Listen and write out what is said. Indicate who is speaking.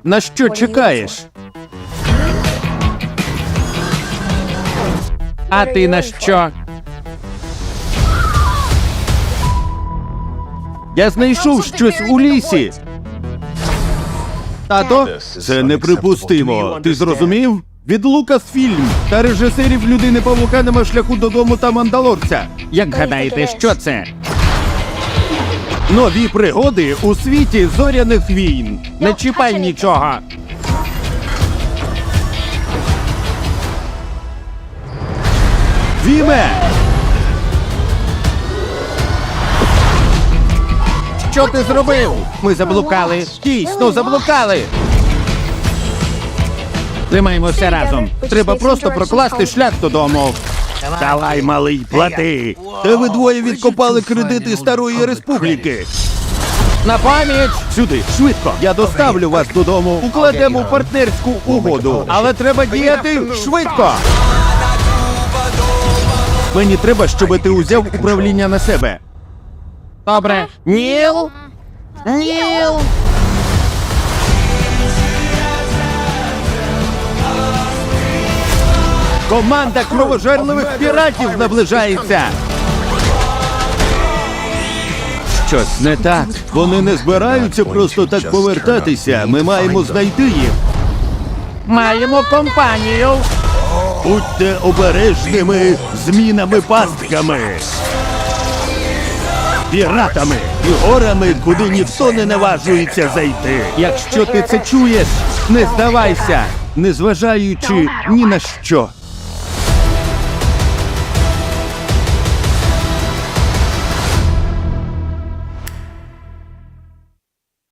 Speaker 1: На що чекаєш? А ти на що? Я знайшов щось у лісі. Тато, це неприпустимо. Ти зрозумів? Від Лукасфільм та режисерів Людини-павука нема шляху додому та Мандалорця. Як гадаєте, що це? Нові пригоди у світі зоряних війн. Не чіпай нічого. Віме! Що ти зробив? Ми заблукали. Дійсно, заблукали. Тримаємося разом. Треба просто прокласти шлях додому. Давай, малий, плати. Та ви двоє відкопали кредити Старої Республіки. На пам'ять! Сюди, швидко. Я доставлю вас додому. Укладемо партнерську угоду. Але треба діяти швидко. Мені треба, щоб ти узяв управління на себе. Добре. Ніл? Ніл! Команда кровожерливих піратів наближається. Щось не так. Вони не збираються просто так повертатися. Ми маємо знайти їх. Маємо компанію. Будьте обережними змінами-пастками. Піратами і горами, куди ніхто не наважується зайти. Якщо ти це чуєш, не здавайся, незважаючи ні на що.